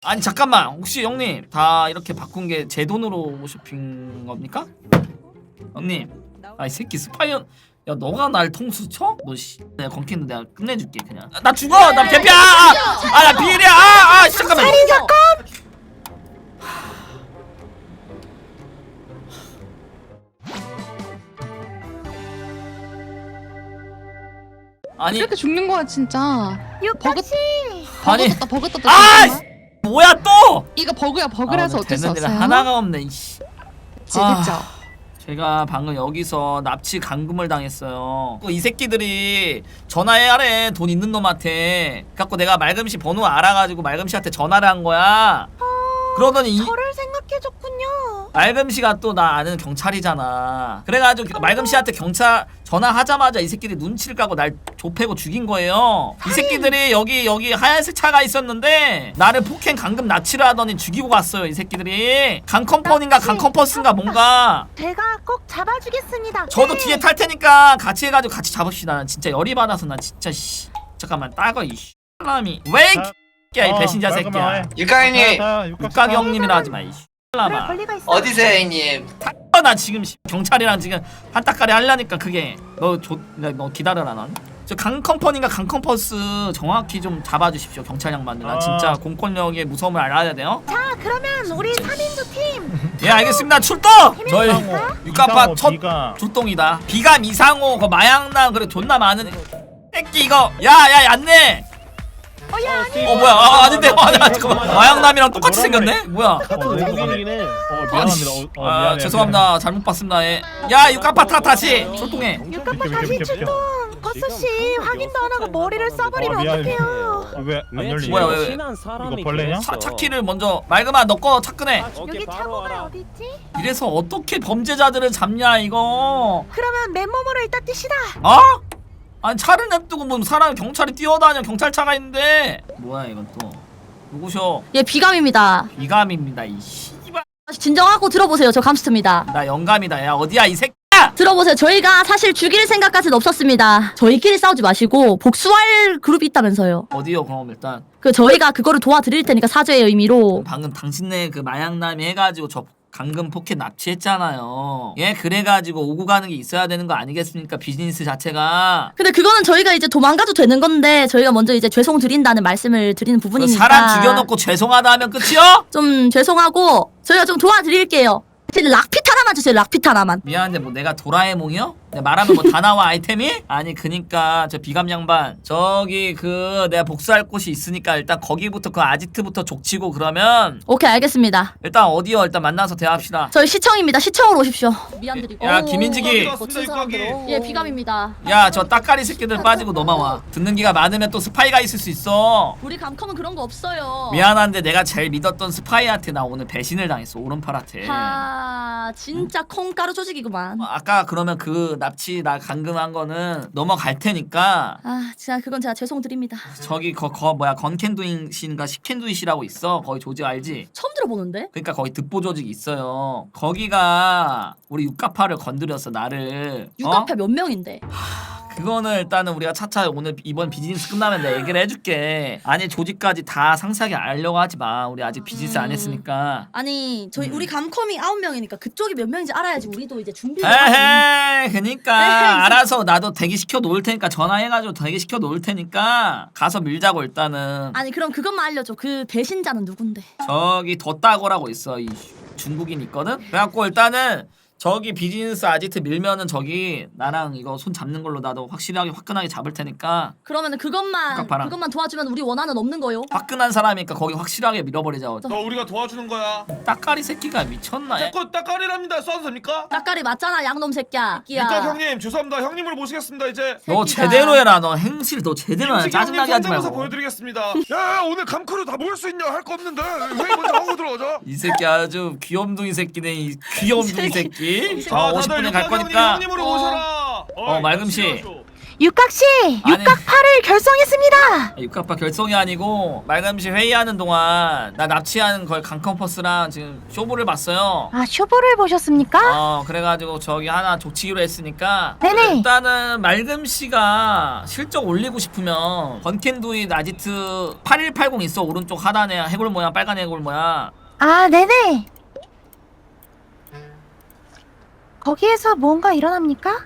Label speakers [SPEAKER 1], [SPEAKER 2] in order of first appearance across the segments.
[SPEAKER 1] 아니 잠깐만, 혹시 형님 다 이렇게 바꾼 게 제 돈으로 쇼핑 겁니까? 형님, 아 이 새끼 스파이언. 야 너가 날 통수 쳐? 너 씨, 내가 건캔도 내가 끝내줄게 그냥. 나 죽어, 나 개피야. 나 비일이야. 잠깐만. 아니
[SPEAKER 2] 이렇게 죽는 거야 진짜.
[SPEAKER 3] 육각씨.
[SPEAKER 1] 아니
[SPEAKER 2] 버그 떴다.
[SPEAKER 1] 아
[SPEAKER 2] 잠깐만.
[SPEAKER 1] 뭐야 또?
[SPEAKER 2] 이거 버그야 버그라서 어쩔 수
[SPEAKER 1] 되는 일
[SPEAKER 2] 없어요.
[SPEAKER 1] 하나가 없네. 이씨.
[SPEAKER 2] 그쵸.
[SPEAKER 1] 제가 방금 여기서 납치 감금을 당했어요. 이 새끼들이 전화해야래, 돈 있는 놈한테. 갖고 내가 말금씨 번호 알아가지고 말금씨한테 전화를 한 거야. 그러더니
[SPEAKER 3] 저를 생각해줬군요.
[SPEAKER 1] 말금씨가 또 나 아는 경찰이잖아. 그래가지고 말금씨한테 경찰 전화하자마자 이 새끼들이 눈치를 까고 날 좁히고 죽인 거예요. 이 새끼들이 여기 하얀색 차가 있었는데 나를 폭행 감금 납치를 하더니 죽이고 갔어요. 이 새끼들이 강컴퍼니인가 강컴퍼스인가 뭔가.
[SPEAKER 3] 제가 꼭 잡아주겠습니다.
[SPEAKER 1] 저도 뒤에 탈 테니까 같이 해가지고 같이 잡읍시다. 난 진짜 열이 받아서 난 진짜 씨. 잠깐만 따거 이 사람이 왜 이 배신자 새끼야.
[SPEAKER 4] 육가형님
[SPEAKER 1] 육각이 형님이라 하지 마 이
[SPEAKER 3] 그럴
[SPEAKER 1] 사람아.
[SPEAKER 3] 권리가 있어.
[SPEAKER 4] 어디세요 형님?
[SPEAKER 1] 나 지금 경찰이랑 지금 한따까리 하려니까 그게 너 기다려라 넌. 저 강컴퍼니인가 강컴퍼스 정확히 좀 잡아주십시오 경찰 양반들. 나 진짜 공권력의 무서움을 알아야 돼요.
[SPEAKER 3] 자, 그러면 우리 3인조 팀.
[SPEAKER 1] 예 알겠습니다. 출동. 저희 육가파 첫 출동이다. 비감 이상호 그 마약남 그래 존나 많은 새끼 이거. 야야 얀네.
[SPEAKER 3] 야, 아니.
[SPEAKER 1] 뭐야 아닌데 잠깐만 마약남이랑 똑같이 생겼네. 뭐야.
[SPEAKER 5] 외국인이긴 해. 미안합니다.
[SPEAKER 1] 죄송합니다. 잘못 봤습니다. 예. 야 육가파 다시 출동해.
[SPEAKER 3] 육각파 다시 출동. 거수씨 확인도 안 하고 머리를 써버리면 어떡해요.
[SPEAKER 5] 왜안 열리냐?
[SPEAKER 1] 뭐야, 왜?
[SPEAKER 5] 이거 벌레냐?
[SPEAKER 1] 차키를 먼저 말금아 너 거 차근해.
[SPEAKER 3] 여기 차고가 어디 있지?
[SPEAKER 1] 이래서 어떻게 범죄자들을 잡냐 이거.
[SPEAKER 3] 그러면 맨몸으로 일단 뛰시다.
[SPEAKER 1] 어? 아니 차를 냅두고 뭐 사람 경찰이 뛰어다녀. 경찰차가 있는데 뭐야 이건 또. 누구셔?
[SPEAKER 6] 예, 비감입니다.
[SPEAKER 1] 비감입니다 이 씨발.
[SPEAKER 6] 진정하고 들어보세요. 저 감스트입니다.
[SPEAKER 1] 나 영감이다. 야 어디야 이 새끼야.
[SPEAKER 6] 들어보세요. 저희가 사실 죽일 생각까지는 없었습니다. 저희끼리 싸우지 마시고 복수할 그룹이 있다면서요.
[SPEAKER 1] 어디요 그럼 일단.
[SPEAKER 6] 그 저희가 그거를 도와드릴 테니까 사죄의 의미로.
[SPEAKER 1] 방금 당신네 그 마약남이 해가지고 저 감금 포켓 납치했잖아요. 예 그래가지고 오고 가는 게 있어야 되는 거 아니겠습니까? 비즈니스 자체가.
[SPEAKER 6] 근데 그거는 저희가 이제 도망가도 되는 건데 저희가 먼저 이제 죄송 드린다는 말씀을 드리는
[SPEAKER 1] 그
[SPEAKER 6] 부분이니까.
[SPEAKER 1] 사람 죽여놓고 죄송하다 하면 끝이요?
[SPEAKER 6] 좀 죄송하고 저희가 좀 도와드릴게요. 락핏 하나만 주세요. 락핏 하나만.
[SPEAKER 1] 미안한데 뭐 내가 도라에몽이요? 내가 말하면 뭐 다 나와 아이템이? 아니 그니까 저 비감 양반 저기 그 내가 복수할 곳이 있으니까 일단 거기부터 그 아지트부터 족치고 그러면
[SPEAKER 6] 오케이 알겠습니다.
[SPEAKER 1] 일단 어디요? 일단 만나서 대화합시다.
[SPEAKER 6] 저희 시청입니다. 시청으로 오십시오. 미안드리고.
[SPEAKER 1] 야 김인직이
[SPEAKER 6] 예, 비감입니다.
[SPEAKER 1] 야 저 따까리 새끼들 빠지고 넘어와. 듣는 기가 많으면 또 스파이가 있을 수 있어.
[SPEAKER 6] 우리 감컴은 그런 거 없어요.
[SPEAKER 1] 미안한데 내가 제일 믿었던 스파이한테 나 오늘 배신을 당했어. 오른팔한테.
[SPEAKER 6] 진짜 콩가루 조직이구만.
[SPEAKER 1] 아까 그러면 그 납치 나 감금한 거는 넘어갈 테니까
[SPEAKER 6] 진짜 그건 제가 죄송드립니다.
[SPEAKER 1] 저기 뭐야 건캔두잇인가 식캔두잇이라고 있어. 거기 조직 알지?
[SPEAKER 6] 처음 들어보는데?
[SPEAKER 1] 그러니까 거기 득보 조직 있어요. 거기가 우리 육가파를 건드렸어 나를.
[SPEAKER 6] 육각파 몇 명인데?
[SPEAKER 1] 그거는 일단은 우리가 차차 오늘 이번 비즈니스 끝나면 내가 얘기를 해줄게. 아니 조직까지 다 상세하게 알려고 하지 마. 우리 아직 비즈니스 안 했으니까.
[SPEAKER 6] 아니 저희 우리 감컴이 9명이니까 그쪽이 몇 명인지 알아야지 우리도 이제 준비를
[SPEAKER 1] 에헤 그니까
[SPEAKER 6] 에헤이.
[SPEAKER 1] 알아서 나도 대기시켜 놓을 테니까 전화해가지고 대기시켜 놓을 테니까 가서 밀자고 일단은.
[SPEAKER 6] 아니 그럼 그것만 알려줘. 그 배신자는 누군데?
[SPEAKER 1] 저기 덧따고라고 있어. 이 중국인 있거든. 그래갖고 일단은 저기 비즈니스 아지트 밀면은 저기 나랑 이거 손 잡는 걸로 나도 확실하게 화끈하게 잡을 테니까.
[SPEAKER 6] 그러면은 그것만 도와주면 우리 원한은 없는 거요.
[SPEAKER 1] 화끈한 사람이니까 거기 확실하게 밀어버리자.
[SPEAKER 7] 너 우리가 도와주는 거야.
[SPEAKER 1] 따까리 새끼가 미쳤나?
[SPEAKER 7] 자꾸 따까리랍니다. 쏴도 됩니까?
[SPEAKER 6] 따까리 맞잖아 양놈 새끼야.
[SPEAKER 7] 육각 형님 죄송합니다. 형님을 모시겠습니다. 이제
[SPEAKER 1] 너
[SPEAKER 6] 새끼가.
[SPEAKER 1] 제대로 해라. 너 행실 너 제대로 해라. 짜증나게 하지
[SPEAKER 7] 성대모사
[SPEAKER 1] 말고.
[SPEAKER 7] 보여드리겠습니다. 야 오늘 감크루 다 모일 수 있냐? 할 거 없는데 왜 먼저 하고 들어가자.
[SPEAKER 1] 이 새끼 아주 귀염둥이 새끼네. 이 귀염둥이 새끼.
[SPEAKER 7] 자, 다들
[SPEAKER 1] 50분에 갈
[SPEAKER 7] 육각
[SPEAKER 1] 거니까.
[SPEAKER 7] 형님으로 모셔라.
[SPEAKER 1] 말금씨.
[SPEAKER 3] 육각씨 육각파를 결성했습니다.
[SPEAKER 1] 육각파 결성이 아니고 말감시 회의하는 동안 나 납치하는 걸 강컴퍼스랑 지금 쇼부를 봤어요.
[SPEAKER 3] 아 쇼부를 보셨습니까?
[SPEAKER 1] 그래가지고 저기 하나 족치기로 했으니까
[SPEAKER 3] 네네.
[SPEAKER 1] 일단은 말금씨가 실적 올리고 싶으면 건캔두잇 아지트 8180 있어. 오른쪽 하단에 해골 모양, 빨간 해골 모양.
[SPEAKER 3] 아 네네. 거기에서 뭔가 일어납니까?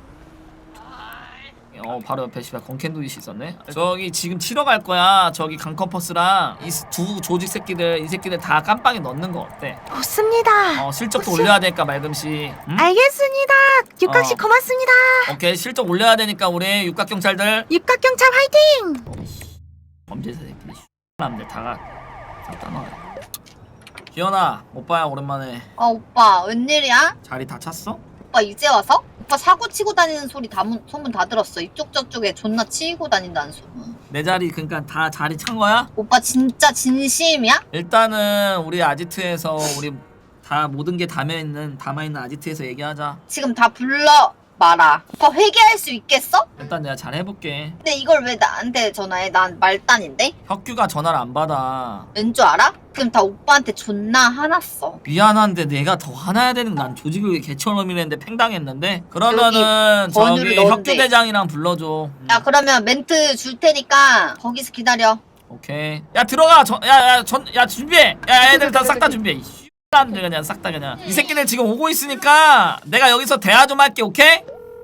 [SPEAKER 1] 바로 옆에 씨발 건캔두잇이 있었네. 저기 지금 치러 갈 거야. 저기 강컴퍼스랑 이 두 조직 새끼들, 이 새끼들 다 깜빵에 넣는 거 어때?
[SPEAKER 3] 좋습니다.
[SPEAKER 1] 실적도 올려야 되니까 말금씨. 응?
[SPEAKER 3] 알겠습니다. 육각씨
[SPEAKER 1] 어.
[SPEAKER 3] 고맙습니다.
[SPEAKER 1] 오케이, 실적 올려야 되니까 우리 육각경찰들
[SPEAKER 3] 육각경찰 화이팅!
[SPEAKER 1] 범죄자 새끼들 남들 다가 다 넣어. 기현아, 오빠야 오랜만에.
[SPEAKER 4] 오빠 웬일이야?
[SPEAKER 1] 자리 다 찼어?
[SPEAKER 4] 오빠 이제 와서? 오빠 사고 치고 다니는 소리 소문 다 들었어. 이쪽 저쪽에 존나 치이고 다닌다는 소문.
[SPEAKER 1] 내 자리 그러니까 다 자리 찬 거야?
[SPEAKER 4] 오빠 진짜 진심이야?
[SPEAKER 1] 일단은 우리 아지트에서 우리 다 모든 게 담아있는 아지트에서 얘기하자.
[SPEAKER 4] 지금 다 불러 말아. 오빠 회개할 수 있겠어?
[SPEAKER 1] 일단 내가 잘 해볼게.
[SPEAKER 4] 근데 이걸 왜 나한테 전화해? 난 말단인데?
[SPEAKER 1] 혁규가 전화를 안 받아.
[SPEAKER 4] 왠 줄 알아? 그럼 다 오빠한테 존나 화났어.
[SPEAKER 1] 미안한데 내가 더 화나야 되는 난 조직을 개처럼이랬는데 팽당했는데. 그러면은
[SPEAKER 4] 번호를
[SPEAKER 1] 저기
[SPEAKER 4] 넣었는데.
[SPEAKER 1] 혁규 대장이랑 불러줘.
[SPEAKER 4] 야 그러면 멘트 줄 테니까 거기서 기다려.
[SPEAKER 1] 오케이. 야 들어가. 야 준비해. 야 애들 다 싹 다 준비해. 사람들 그냥 싹 다 그냥. 이 새끼들 지금 오고 있으니까 내가 여기서 대화 좀 할게. 오케이?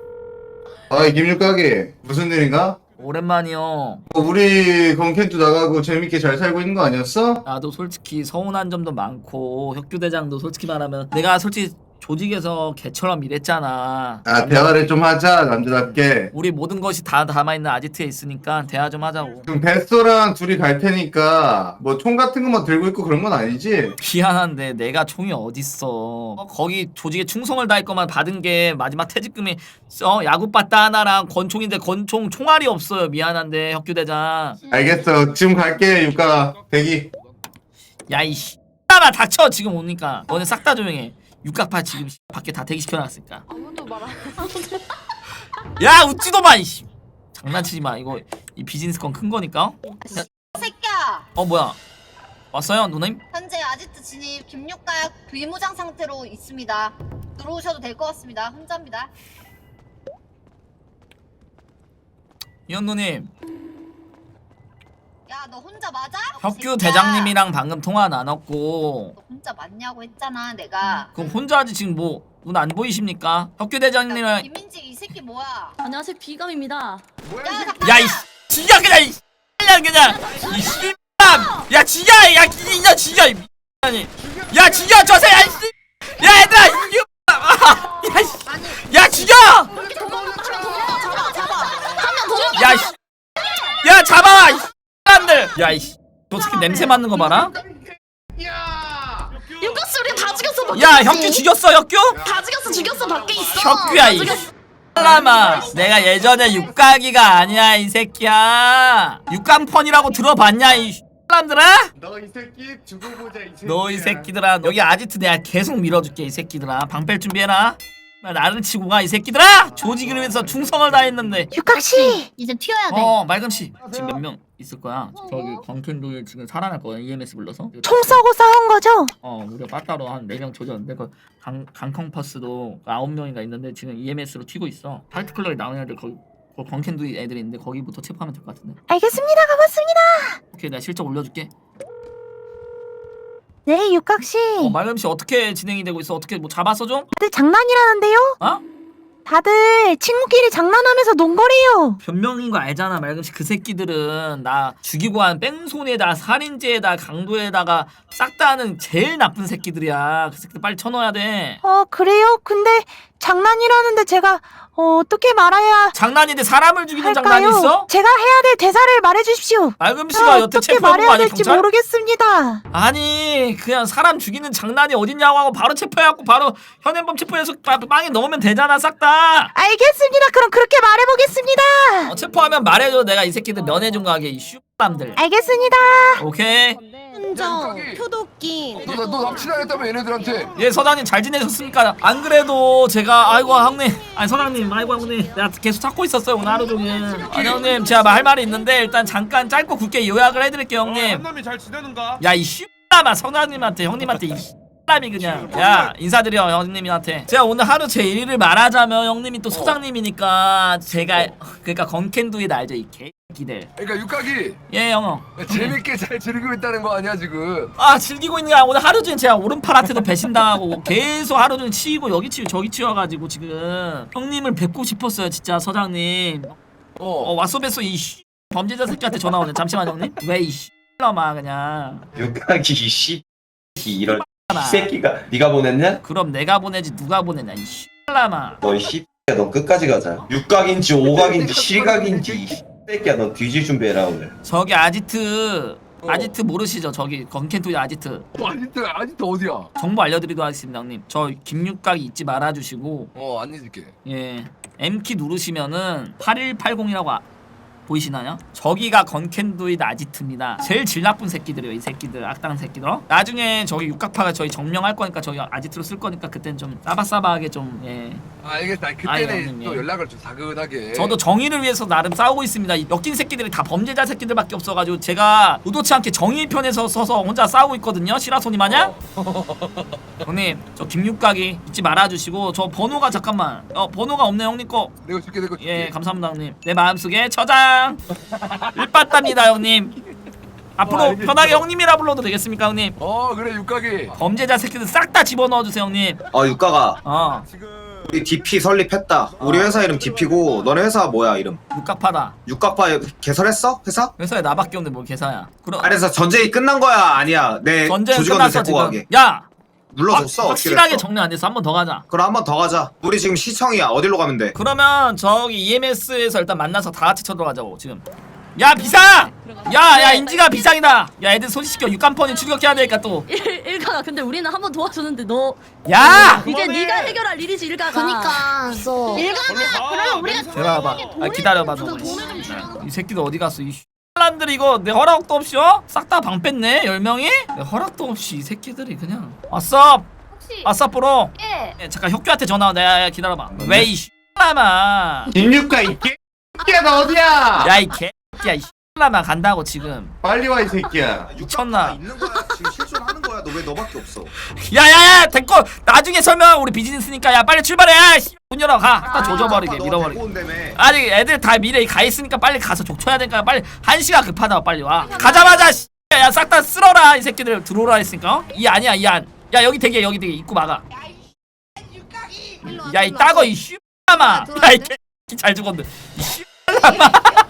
[SPEAKER 8] 김육각이 무슨 일인가?
[SPEAKER 1] 오랜만이요.
[SPEAKER 8] 우리 건캔도 나가고 재밌게 잘 살고 있는 거 아니었어?
[SPEAKER 1] 나도 솔직히 서운한 점도 많고 혁규 대장도 솔직히 말하면 내가 솔직히 조직에서 개처럼 일했잖아.
[SPEAKER 8] 대화를 좀 하자 남자답게.
[SPEAKER 1] 우리 모든 것이 다 담아있는 아지트에 있으니까 대화 좀 하자고.
[SPEAKER 8] 그럼 베스토랑 둘이 갈 테니까 뭐 총 같은 것만 들고 있고 그런 건 아니지?
[SPEAKER 1] 미안한데 내가 총이 어딨어. 거기 조직에 충성을 다할 것만 받은 게 마지막 퇴직금이 야구바따 하나랑 권총인데 권총 총알이 없어요. 미안한데 혁규 대장.
[SPEAKER 8] 알겠어. 지금 갈게 육각 대기.
[SPEAKER 1] 야이씨 나 닥쳐. 지금 오니까 너네 싹 다 조용해. 육각파 지금 밖에 다 대기시켜놨으니까.
[SPEAKER 2] 아무도 말 안
[SPEAKER 1] 야 웃지도 마 이씨. 장난치지 마. 이거 이 비즈니스 건 큰 거니까.
[SPEAKER 4] 새끼야.
[SPEAKER 1] 뭐야 왔어요 누님?
[SPEAKER 4] 현재 아지트 진입 김육각 비무장 상태로 있습니다. 들어오셔도 될 것 같습니다. 혼자입니다.
[SPEAKER 1] 이현 누님,
[SPEAKER 4] 야 너 혼자 맞아?
[SPEAKER 1] 혁규
[SPEAKER 4] 새끼야.
[SPEAKER 1] 대장님이랑 방금 통화 나눴고.
[SPEAKER 4] 너 혼자 맞냐고 했잖아 내가.
[SPEAKER 1] 그럼 혼자 하지 지금 뭐 눈 안 보이십니까? 혁규 대장님이랑.
[SPEAKER 4] 김민직 이 새끼 뭐야?
[SPEAKER 6] 안녕하세요, 비감입니다.
[SPEAKER 4] 야 잠깐.
[SPEAKER 1] 야이 지야 그냥 이 그냥 이 씨발. 야 지야 야 이년 지야 이 아니. 야 지야 저새 야 씨. 야 얘들아 이게 야 지야. 야 씨. 야 잡아 이 사람들. 야 이 저 새끼 냄새 맡는 거 봐라.
[SPEAKER 6] 육각씨 우리 다 죽였어. 밖에
[SPEAKER 1] 야
[SPEAKER 6] 있지?
[SPEAKER 1] 혁규 죽였어 혁규?
[SPEAKER 6] 다 죽였어 밖에 있어.
[SPEAKER 1] 혁규야 이 사람아. 내가 예전에 육각이가 아니야 이 새끼야. 육강펀이라고 들어봤냐 이 사람들아?
[SPEAKER 8] 너 이 새끼 두고 보자 이 새끼.
[SPEAKER 1] 너 이 새끼들아 여기 아지트 내가 계속 밀어줄게 이 새끼들아. 방패 준비해라. 나를 치고 가 이 새끼들아. 조직을 위해서 충성을 다했는데.
[SPEAKER 3] 육각씨
[SPEAKER 6] 이제 튀어야 돼.
[SPEAKER 1] 말금씨 지금 몇 명 있을 거야. 저기 광캔도에 지금 살아날 거야. EMS 불러서.
[SPEAKER 3] 총 쏘고 싸운 거죠?
[SPEAKER 1] 우리가 빠따로 한 4명 조졌는데 그 강컴퍼스도 9명인가 있는데 지금 EMS로 튀고 있어. 파이트클럽에 나온 애들 거기 광캔도 애들이 있는데 거기부터 체포하면 될 것 같은데.
[SPEAKER 3] 알겠습니다. 고맙습니다.
[SPEAKER 1] 오케이 내가 실적 올려줄게.
[SPEAKER 3] 네 육각씨.
[SPEAKER 1] 말금씨 어떻게 진행이 되고 있어? 어떻게 뭐 잡았어 좀?
[SPEAKER 3] 다들 장난이라는데요?
[SPEAKER 1] 어?
[SPEAKER 3] 다들 친구끼리 장난하면서 논 거래요.
[SPEAKER 1] 변명인 거 알잖아 말금씨. 그 새끼들은 나 죽이고 한 뺑소니에다 살인죄에다 강도에다가 싹 다 하는 제일 나쁜 새끼들이야. 그 새끼들 빨리 쳐넣어야 돼.
[SPEAKER 3] 그래요? 근데 장난이라는데 제가 어떻게 말해야
[SPEAKER 1] 장난인데 사람을 죽이는
[SPEAKER 3] 할까요?
[SPEAKER 1] 장난이 있어?
[SPEAKER 3] 제가 해야 될 대사를 말해주십시오.
[SPEAKER 1] 말금씨가 여태
[SPEAKER 3] 어떻게
[SPEAKER 1] 체포한 거
[SPEAKER 3] 말해야
[SPEAKER 1] 아니야
[SPEAKER 3] 될지
[SPEAKER 1] 경찰?
[SPEAKER 3] 모르겠습니다.
[SPEAKER 1] 아니 그냥 사람 죽이는 장난이 어딨냐고 하고 바로 체포해갖고 바로 현행범 체포해서 빵에 넣으면 되잖아 싹 다.
[SPEAKER 3] 알겠습니다. 그럼 그렇게 말해보겠습니다.
[SPEAKER 1] 체포하면 말해줘. 내가 이 새끼들 면회 좀 가게 이 남들.
[SPEAKER 3] 알겠습니다.
[SPEAKER 1] 오케이.
[SPEAKER 3] hun정, 표독기.
[SPEAKER 7] 너 납치당했다며 얘네들한테.
[SPEAKER 1] 예, 서장님 잘 지내셨습니까? 안 그래도 제가 아이고 형님, 아니 서장님, 아이고 형님, 내가 계속 찾고 있었어요 오늘 하루 종일. 아니 형님, 제가 할 말이 있는데 일단 잠깐 짧고 굵게 요약을 해드릴게요 형님.
[SPEAKER 7] 한남이 잘 지내는가?
[SPEAKER 1] 야 이 씨라마 서장님한테 형님한테 이 씨람이 그냥. 야 인사드려 형님한테. 제가 오늘 하루 제 일을 말하자면 형님이 또 소장님이니까 제가 그러니까 건캔두잇 알죠 이 개기들.
[SPEAKER 7] 그러니까 육각이
[SPEAKER 1] 예 형어.
[SPEAKER 7] 재밌게 잘 즐기고 있다는 거 아니야 지금?
[SPEAKER 1] 아 즐기고 있는 게 아니라 오늘 하루 종일 제가 오른팔한테도 배신당하고 계속 하루 종일 치이고 여기 치이고 저기 치여가지고 지금 형님을 뵙고 싶었어요 진짜 서장님. 왔어 뵀어 이 범죄자 새끼한테 전화 오네. 잠시만 형님. 왜 이 씨라마 그냥.
[SPEAKER 9] 육각이 씨 이런 이 새끼가 네가 보냈냐?
[SPEAKER 1] 그럼 내가 보내지 누가 보내냐 이 씨라마.
[SPEAKER 9] 너 씨. 너 끝까지 가자. 육각인지 오각인지 실각인지 이 새끼야. 너 뒤질 준비해라 오늘.
[SPEAKER 1] 저기 아지트 모르시죠? 저기 건캔토의 아지트
[SPEAKER 7] 아직도 어디야?
[SPEAKER 1] 정보 알려드리도록 하겠습니다 형님. 저 김육각이 잊지 말아주시고
[SPEAKER 7] 안 잊을게.
[SPEAKER 1] 예 M키 누르시면은 8180이라고 보이시나요? 저기가 건캔두잇 아지트입니다. 제일 질 나쁜 새끼들이에요 이 새끼들. 악당 새끼들. 나중에 저기 육각파가 저희 정명할 거니까 저희 아지트로 쓸 거니까 그땐 좀 싸바싸바하게 좀 예.
[SPEAKER 7] 알겠다.
[SPEAKER 1] 아이,
[SPEAKER 7] 그때는
[SPEAKER 1] 형님,
[SPEAKER 7] 또
[SPEAKER 1] 예.
[SPEAKER 7] 연락을 좀 사근하게.
[SPEAKER 1] 저도 정의를 위해서 나름 싸우고 있습니다. 이 엮인 새끼들이 다 범죄자 새끼들밖에 없어가지고 제가 의도치 않게 정의 편에서 서서 혼자 싸우고 있거든요. 시라소니 마냥. 형님 저 김육각이 잊지 말아주시고 저 번호가 잠깐만 번호가 없네 형님 거.
[SPEAKER 7] 내가 줄게 내가 줄게.
[SPEAKER 1] 예 감사합니다 형님. 내 마음속에 저장 일빠답니다 형님. 앞으로 편하게 형님이라 불러도 되겠습니까 형님?
[SPEAKER 7] 그래 육각이.
[SPEAKER 1] 범죄자 새끼들 싹 다 집어넣어주세요 형님.
[SPEAKER 9] 육각아. 우리 DP 설립했다. 우리 회사 이름 DP고 너네 회사 뭐야 이름?
[SPEAKER 1] 육각파다.
[SPEAKER 9] 육각파 개설했어? 회사?
[SPEAKER 1] 회사에 나밖에 없는데 뭘 계사야. 그럼
[SPEAKER 9] 그래서 전쟁이 끝난 거야 아니야? 내
[SPEAKER 1] 전쟁
[SPEAKER 9] 조직원들
[SPEAKER 1] 끝났어
[SPEAKER 9] 데리고
[SPEAKER 1] 지금.
[SPEAKER 9] 가게.
[SPEAKER 1] 야
[SPEAKER 9] 눌러줬어. 어떻게
[SPEAKER 1] 확실하게
[SPEAKER 9] 됐어?
[SPEAKER 1] 정리 안 돼서 한 번 더 가자.
[SPEAKER 9] 그럼 한 번 더 가자. 우리 지금 시청이야. 어디로 가면 돼?
[SPEAKER 1] 그러면 저기 EMS에서 일단 만나서 다 같이 쳐들어가자고 지금. 야 비상! 야 인지가 비상이다. 야 애들 소식시켜. 육간펀이 출격해야 되니까 또.
[SPEAKER 6] 일가가 근데 우리는 한 번 도와줬는데 너
[SPEAKER 1] 야!
[SPEAKER 6] 이제 네가 해결할 일이지 일가가.
[SPEAKER 3] 그니까. 일가가 그러면 우리가
[SPEAKER 1] 기다려봐. 기다려봐 너.
[SPEAKER 3] 돈을 좀 주라고.
[SPEAKER 1] 이 새끼들 어디 갔어? 이 사람들 이거 내 허락도 없이 싹 다 방 뺐네 10명이? 내 허락도 없이 이 새끼들이 그냥. 왔어. 왔어 프로. 예. 잠깐 혁규한테 전화 와. 야 기다려봐. 왜 이 씨라마.
[SPEAKER 8] 김육각 이 개새끼야 너 어디야?
[SPEAKER 1] 야 이 개야 이 씨라마 간다고 지금.
[SPEAKER 8] 빨리 와 이 새끼야.
[SPEAKER 1] 미쳤나?
[SPEAKER 9] 있는 거야. 지금 실수를 하는 거야. 너 왜 너밖에 없어?
[SPEAKER 1] 야야야 됐고 나중에 설명. 우리 비즈니스니까 야 빨리 출발해. 야, 문 열어 가. 딱 조져버리게 밀어버리게. 아니 애들 다 미래 가 있으니까 빨리 가서 족쳐야 되니까 빨리. 1시가 급하다고 빨리 와. 가자마자 야 싹 다 쓸어라 이 새끼들. 들어오라 했으니까. 이 아니야 이 안. 야 여기 되게 입구 막아. 야 이 따거 이 씨라마. 야이 개잘 죽었네. 이 씨라마.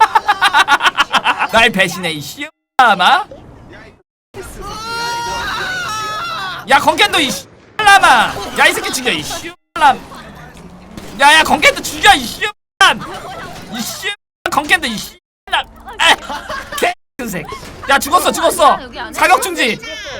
[SPEAKER 1] 날 배신해 이 씨라마. 야 건캔도 이 씨라마. 야 이 새끼 죽여 이 씨람. 야야 건캔도 죽여 이 씨람. 이 씨 건캔도 이 씨람. 개새끼. 야 죽었어. 사격 중지.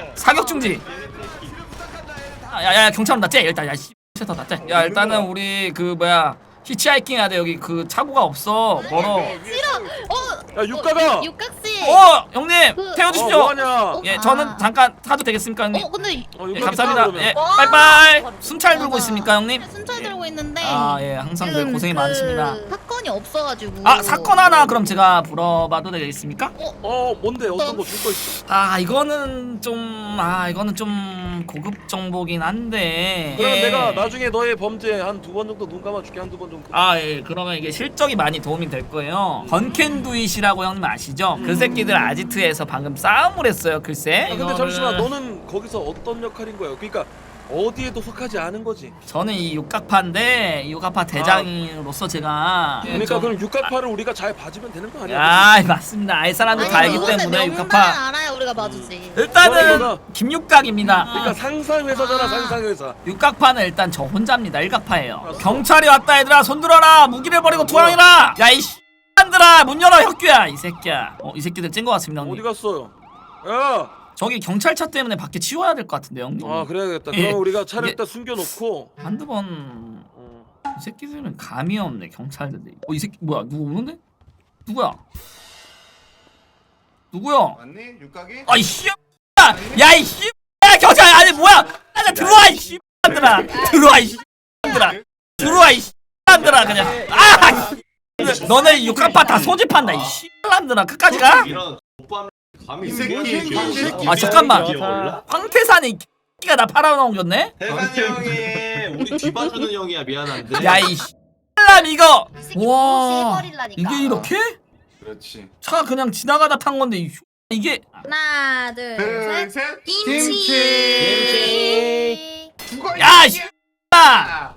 [SPEAKER 1] 야야 경찰 온다. 쟤 일단 야 씨. 야 일단은 우리 그 뭐야 히치하이킹 해야 돼. 여기 그 차고가 없어. 멀어.
[SPEAKER 5] 야 육각아.
[SPEAKER 3] 육각씨.
[SPEAKER 1] 형님 태워주십시오.
[SPEAKER 5] 뭐하냐?
[SPEAKER 1] 예 저는 잠깐 타도 되겠습니까 형님?
[SPEAKER 3] 근데
[SPEAKER 1] 예,
[SPEAKER 5] 육각이
[SPEAKER 1] 감사합니다.
[SPEAKER 5] 따라
[SPEAKER 1] 예
[SPEAKER 5] 그러면.
[SPEAKER 1] 빠이빠이. 순찰 들고 있습니까 형님?
[SPEAKER 3] 순찰 들고 있는데.
[SPEAKER 1] 아 예 항상 늘 고생이 많으십니다.
[SPEAKER 3] 사건이 없어가지고.
[SPEAKER 1] 아 사건 하나 그럼 제가 물어봐도 되겠습니까?
[SPEAKER 5] 뭔데 어떤 거 줄 거 있어?
[SPEAKER 1] 이거는 좀 고급 정보긴 한데.
[SPEAKER 5] 그럼
[SPEAKER 1] 예.
[SPEAKER 5] 내가 나중에 너의 범죄 한 2번 정도 눈 감아줄게. 한두 번 정도.
[SPEAKER 1] 예 그러면 이게 실적이 많이 도움이 될 거예요. 건캔두잇이라고 형님 아시죠? 그 새끼들 아지트에서 방금 싸움을 했어요. 글쎄.
[SPEAKER 5] 근데 잠시만 너는 거기서 어떤 역할인 거야? 그러니까 어디에도 속하지 않은 거지.
[SPEAKER 1] 저는 이 육각파인데 이 육각파 대장으로서 제가
[SPEAKER 5] 그러니까 그럼 육각파를 우리가 잘 봐주면 되는 거 아니야?
[SPEAKER 1] 맞습니다. 알 사람들 다 알기 때문에 육각파.
[SPEAKER 3] 알아요 우리가 봐주지.
[SPEAKER 1] 일단은
[SPEAKER 5] 너가-
[SPEAKER 1] 김육각입니다.
[SPEAKER 5] 그러니까 상상회사잖아 상상회사.
[SPEAKER 1] 육각파는 일단 저 혼자입니다. 일각파예요. 경찰이 왔다 얘들아 손 들어라. 무기를 버리고 도망이라. 야 이 씨들아 문 열어 혁규야 이 새끼야. 이 새끼들 찐 거 같습니다 형님.
[SPEAKER 5] 어디 갔어요? 야!
[SPEAKER 1] 저기 경찰차 때문에 밖에 치워야 될 것 같은데 형님.
[SPEAKER 5] 그래야겠다.
[SPEAKER 1] 예.
[SPEAKER 5] 그럼 우리가 차를
[SPEAKER 1] 이게-
[SPEAKER 5] 일단 숨겨놓고.
[SPEAKER 1] 한두 번. 이 새끼들은 감이 없네 경찰들이. 이 새끼 뭐야 누구 오는데? 누구야? 누구요?
[SPEAKER 8] 맞니? 육각이?
[SPEAKER 1] 아이 씨야이 씨야 경찰 아니 뭐야 아 들어와 이 씨들아 들어와 이 씨들아 들어와 이 씨들아 그냥 아 너네 육각파 다 소집한다 이 씨들아 끝까지 가?
[SPEAKER 9] 이런 오빠 감히
[SPEAKER 8] 이 새끼.
[SPEAKER 1] 아 잠깐만 황태산이 X가 나 팔아넘겼네?
[SPEAKER 9] 태산이 형이 우리 뒤봐주는 형이야 미안한데.
[SPEAKER 1] 야이 씨람 이거
[SPEAKER 4] 이 새끼
[SPEAKER 1] 와
[SPEAKER 4] 무시해버리려니까.
[SPEAKER 1] 이게 이렇게?
[SPEAKER 8] 그렇지.
[SPEAKER 1] 차 그냥 지나가다 탄 건데 이게
[SPEAKER 6] 하나, 둘, 셋.
[SPEAKER 8] 김치. 죽어.
[SPEAKER 1] 야 씨. 아!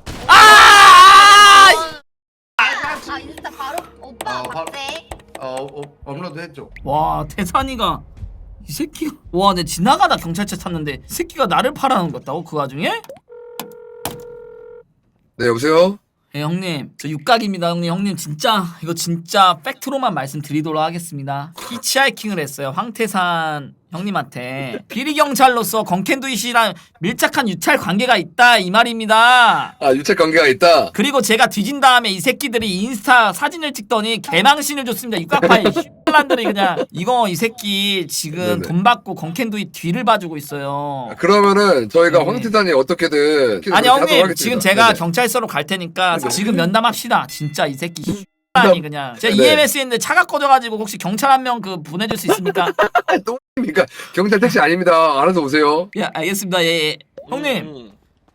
[SPEAKER 4] 아 인스타 바로 오빠
[SPEAKER 8] 바로-
[SPEAKER 4] 박제.
[SPEAKER 8] 업로드 했죠.
[SPEAKER 1] 와 태산이가 이 새끼 와 내 지나가다 경찰차 탔는데 이 새끼가 나를 팔아넘겼다고 그 와중에?
[SPEAKER 7] 네 여보세요?
[SPEAKER 1] 예 형님 저 육각입니다 형님 진짜 이거 진짜 팩트로만 말씀드리도록 하겠습니다. 히치하이킹을 했어요 황태산 형님한테 비리경찰로서 건캔두이 씨랑 밀착한 유찰 관계가 있다 이 말입니다.
[SPEAKER 7] 아 유착 관계가 있다.
[SPEAKER 1] 그리고 제가 뒤진 다음에 이 새끼들이 인스타 사진을 찍더니 개망신을 줬습니다. 육각파의 슈란들이 그냥 이거 이 새끼 지금
[SPEAKER 7] 네네.
[SPEAKER 1] 돈 받고 건캔두이 뒤를 봐주고 있어요.
[SPEAKER 7] 그러면은 저희가
[SPEAKER 1] 네.
[SPEAKER 7] 황태산이 어떻게든
[SPEAKER 1] 아니
[SPEAKER 7] 하도록
[SPEAKER 1] 형님
[SPEAKER 7] 하겠습니다.
[SPEAKER 1] 지금 제가
[SPEAKER 7] 네네.
[SPEAKER 1] 경찰서로 갈 테니까
[SPEAKER 7] 네네.
[SPEAKER 1] 지금 면담합시다. 진짜 이 새끼 슈란이 그냥 제가
[SPEAKER 7] 네.
[SPEAKER 1] EMS 했는데 차가 꺼져가지고 혹시 경찰 한 명 그 보내줄 수 있습니까?
[SPEAKER 7] 똥입니까? 경찰 택시 아닙니다. 알아서 오세요.
[SPEAKER 1] 예 알겠습니다. 예. 형님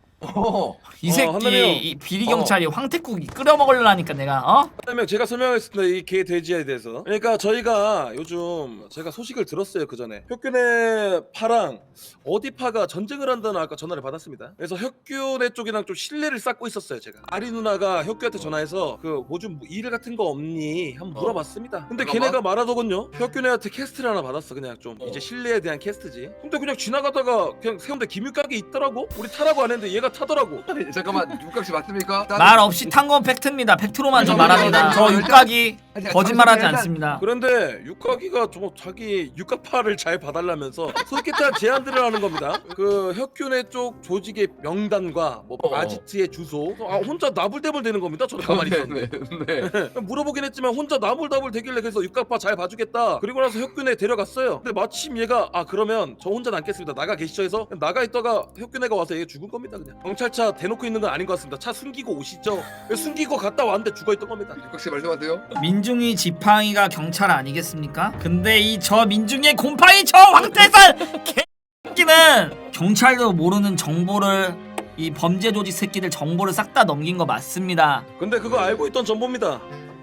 [SPEAKER 1] 이 새끼
[SPEAKER 5] 한남이 형.
[SPEAKER 1] 이 비리 경찰이 황태국 끓여 먹으려니까 내가 어?
[SPEAKER 5] 그다음에 제가 설명하겠습니다. 이 개 돼지에 대해서. 그러니까 저희가 요즘 제가 소식을 들었어요. 그 전에 혁균의 파랑 어디 파가 전쟁을 한다는 아까 전화를 받았습니다. 그래서 혁균의 쪽이랑 좀 신뢰를 쌓고 있었어요. 제가 아리 누나가 혁균한테 전화해서 그 뭐좀 일 같은 거 없니 한번 물어봤습니다. 근데
[SPEAKER 7] 잠깐만.
[SPEAKER 5] 걔네가 말하더군요. 혁균한테 캐스트를 하나 받았어. 그냥 좀 이제 신뢰에 대한 캐스트지. 근데 그냥 지나가다가 그냥 세운데 김육각이 있더라고. 우리 타라고 안 했는데 얘가 타더라고.
[SPEAKER 7] 잠깐만 육각씨 맞습니까?
[SPEAKER 1] 말 없이 탄 건 팩트입니다. 팩트로만 좀 말합니다. 저 육각이 거짓말하지 않습니다.
[SPEAKER 5] 그런데 육각이가 좀 자기 육각파를 잘 봐달라면서 솔깃한 제안들을 하는 겁니다. 그 혁균의 쪽 조직의 명단과 뭐 아지트의 주소 혼자 나불대불 되는 겁니다. 저도 가만히 있었는데
[SPEAKER 7] 네.
[SPEAKER 5] 물어보긴 했지만 혼자 나불나불 되길래 그래서 육각파 잘 봐주겠다. 그리고 나서 혁균에 데려갔어요. 근데 마침 얘가 그러면 저 혼자 남겠습니다. 나가 계시죠 해서 나가 있다가 혁균애가 와서 얘 죽은 겁니다. 그냥 경찰차 대놓고 있는 건 아닌 것 같습니다. 차 숨기고 오시죠. 숨기고 갔다 왔는데 죽어있던 겁니다.
[SPEAKER 7] 육각씨 말씀하세요.
[SPEAKER 1] 민중이 지팡이가 경찰 아니겠습니까? 근데 이 저 민중의 곰팡이 저 황태산 개새끼는 경찰도 모르는 정보를 이 범죄 조직 새끼들 정보를 싹 다 넘긴 거 맞습니다.
[SPEAKER 5] 근데 그거 알고 있던 전보입니다.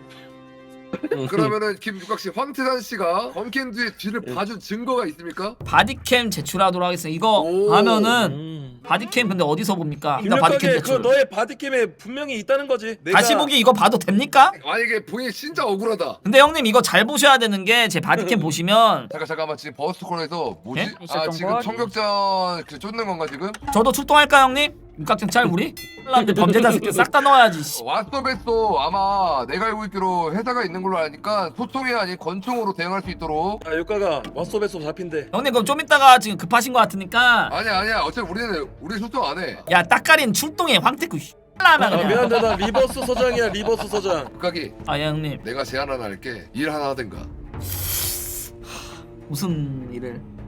[SPEAKER 7] 그러면은 김육각씨 황태산 씨가 검캔두의 뒤를 봐준 증거가 있습니까?
[SPEAKER 1] 바디캠 제출하도록 하겠습니다. 이거
[SPEAKER 7] 오.
[SPEAKER 1] 하면은 바디캠 근데 어디서 봅니까? 나 바디캠
[SPEAKER 5] 김육각의 그
[SPEAKER 1] 제출.
[SPEAKER 5] 너의 바디캠에 분명히 있다는 거지.
[SPEAKER 1] 다시 보기 이거 봐도 됩니까?
[SPEAKER 7] 만약에 본인이 진짜 억울하다.
[SPEAKER 1] 근데 형님 이거 잘 보셔야 되는 게 제 바디캠 보시면
[SPEAKER 7] 잠깐만 지금 버스 코너에서 뭐지?
[SPEAKER 1] 예?
[SPEAKER 7] 지금 총격전 그 쫓는 건가 지금?
[SPEAKER 1] 저도 출동할까요 형님? 육각경찰 우리? 사람들 범죄자 새끼 싹 다 넣어야지. 씨.
[SPEAKER 7] 왓썹에서 아마 내가 알고 있기로 회사가 있는 걸로 아니까 소통이 아닌 권총으로 대응할 수 있도록.
[SPEAKER 5] 육각아 왓썹에서 잡힌대.
[SPEAKER 1] 형님 그럼 좀 이따가 지금 급하신 거 같으니까
[SPEAKER 7] 아니야 어차피 우리 소통 안 해.
[SPEAKER 1] 야 딱가린 출동해 황태구 라면 그냥.
[SPEAKER 5] 미안하다 나 리버스 서장이야 리버스 서장.
[SPEAKER 7] 육각이
[SPEAKER 1] 아 예, 형님
[SPEAKER 7] 내가 제안 하나 할게. 일 하나 하든가.
[SPEAKER 1] 무슨 일을